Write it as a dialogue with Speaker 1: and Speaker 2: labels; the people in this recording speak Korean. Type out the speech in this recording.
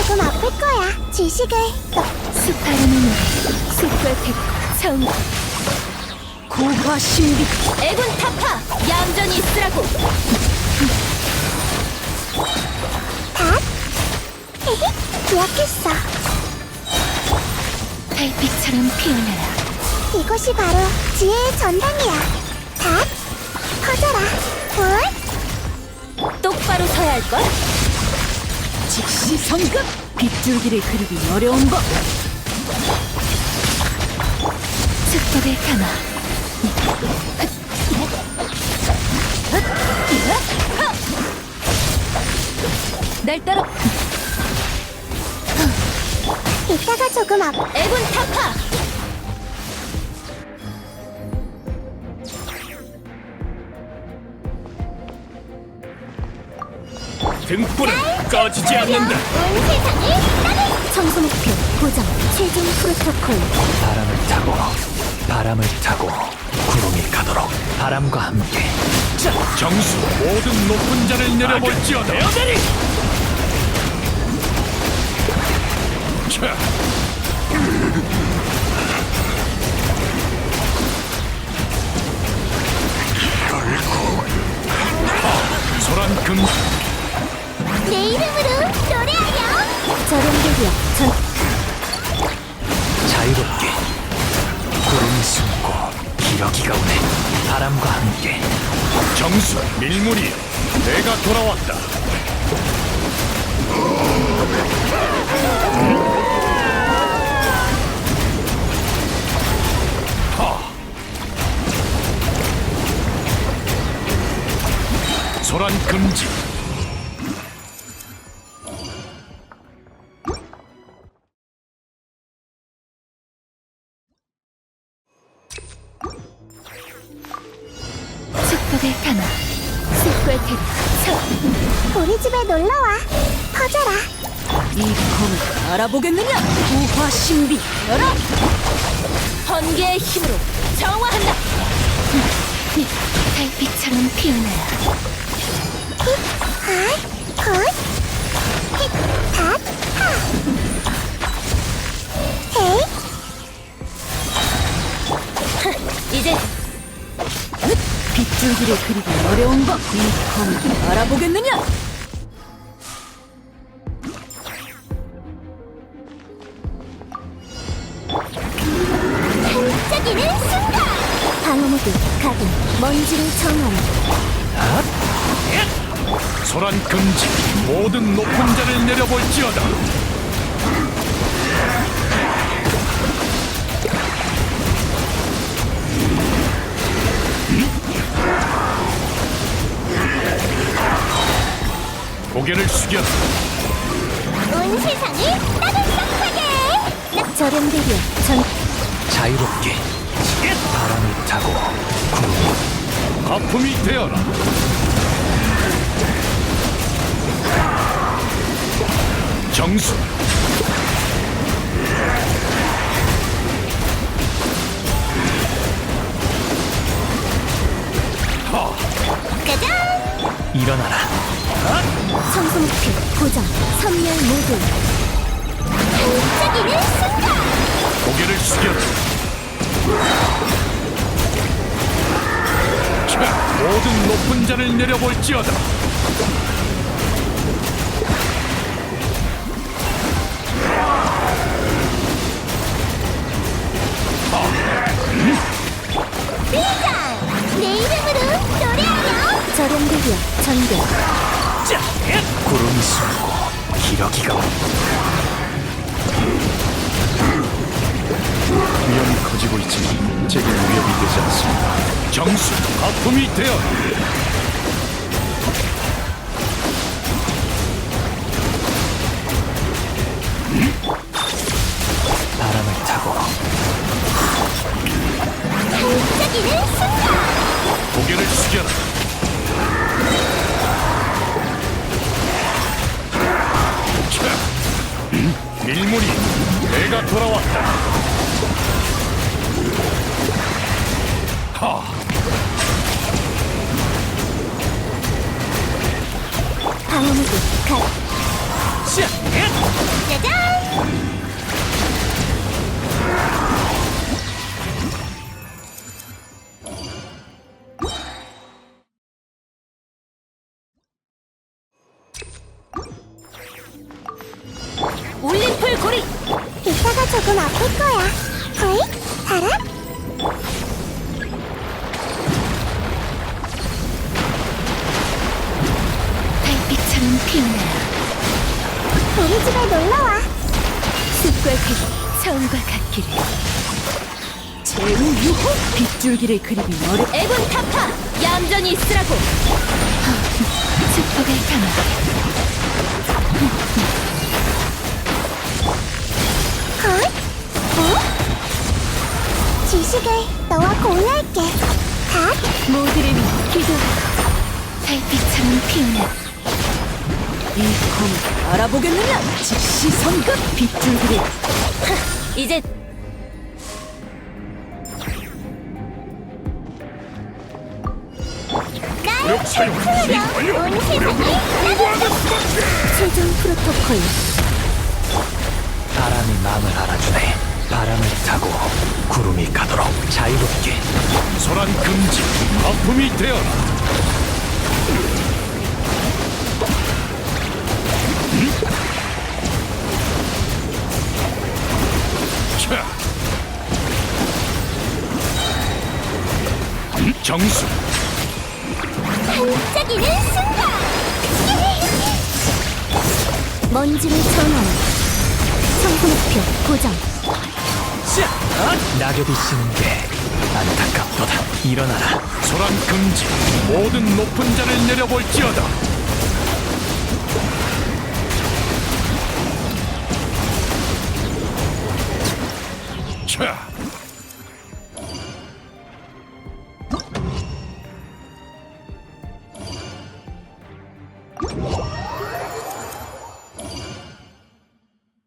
Speaker 1: 조금 아플 거야. 지식을.
Speaker 2: 스파르는 숲과 대 정 고화 신비 애군 타파 얌전히 있으라고.
Speaker 1: 닷. 헤헤, 기억했어.
Speaker 2: 달빛처럼 피어나라.
Speaker 1: 이곳이 바로 지혜의 전당이야. 닷. 커져라. 볼.
Speaker 2: 똑바로 서야 할걸? 즉시 성급! 빗줄기를 그리기 어려운 법! 축복을 담아 날 따라
Speaker 1: 이따가 조금
Speaker 2: 애군 타파!
Speaker 3: 등불은 꺼지지 않는다.
Speaker 1: 온 세상을 따르.
Speaker 2: 청소 목표 고정 최종 프로토콜.
Speaker 4: 바람을 타고 구름이 가도록 바람과 함께
Speaker 3: 정수 모든 높은 자를 내려볼지어다. 자, 소란 금
Speaker 1: 내 이름으로 노래하여.
Speaker 2: 저렴들이야 전
Speaker 4: 자유롭게 구름이 숨고 기러기가 오네. 바람과 함께
Speaker 3: 정수 밀물이 내가 돌아왔다. 소란 금지.
Speaker 2: 축복을 담아 숲과 대
Speaker 1: 우리 집에 놀러와. 커져라.
Speaker 2: 이 검을 알아보겠느냐? 고화 신비 열어! 번개의 힘으로 정화한다! 달빛처럼 피어나라.
Speaker 1: 굿. 힛. 닷. 하. 헤이.
Speaker 2: 이제 빗줄기를 그리기 어려운 법! 이 검을 알아보겠느냐?
Speaker 1: 반짝이는 순간.
Speaker 2: 방어모드 가동 먼지를 정하라.
Speaker 3: 소란 금지. 모든 높은 자를 내려볼지어다. 고개를 숙여.
Speaker 1: 온 세상을 따뜻하게.
Speaker 2: 저렴들이야 전
Speaker 4: 자유롭게 바람을 타고 구름이
Speaker 3: 거품이 되어라. 정수
Speaker 1: 짜잔.
Speaker 4: 일어나라.
Speaker 2: 청소 목표 고정 선멸 모드.
Speaker 1: 반짝이는 순간.
Speaker 3: 고개를 숙여. 자, 모든 높은 자를 내려볼지어다.
Speaker 1: 비장. 내 이름으로 노래하여.
Speaker 2: 저렴들이야 전개
Speaker 4: 구름이 숨고 기러기가 오네.
Speaker 3: 위험이 커지고 있지만 제겐 위협이 되지 않습니다. 정수 거품이 되어라.
Speaker 4: 바람을 타고
Speaker 1: 반짝이는 순간.
Speaker 3: 고개를 숙여라. 자, 밀물이 내가 돌아왔다. 하.
Speaker 2: 방어모드 가
Speaker 4: 자,
Speaker 1: 조금 아플 거야. 어이? 알아?
Speaker 2: 달빛처럼 피어나라.
Speaker 1: 우리 집에 놀러와.
Speaker 2: 숲과 처음과 같기를. 제우 유호 빗줄기를 그리기 어려. 애군 타파 얌전히 있으라고. 축복을 담아.
Speaker 1: 지식을 너와 공유할게. 갓.
Speaker 2: 모두를 위해 기도. 달빛처럼 피어나. 이 검을 알아보겠느냐? 즉시 성급 빗줄기를. 이제
Speaker 1: 날
Speaker 3: 무력 사용
Speaker 1: 풀려. 온 세상을
Speaker 3: 공부하는 수밖에.
Speaker 2: 최종 프로토콜.
Speaker 4: 바람이 마음을 알아주네. 바람을 타고 구름이 가도록 자유롭게.
Speaker 3: 소란 금지, 거품이 되어라. 자, 정수,
Speaker 1: 반짝이는 순간. 먼지를 전환. 청소 목표 고정.
Speaker 4: 낙엽이 지는 게 안타깝도다. 일어나라.
Speaker 3: 소란 금지, 모든 높은 자를 내려볼지어다. 자,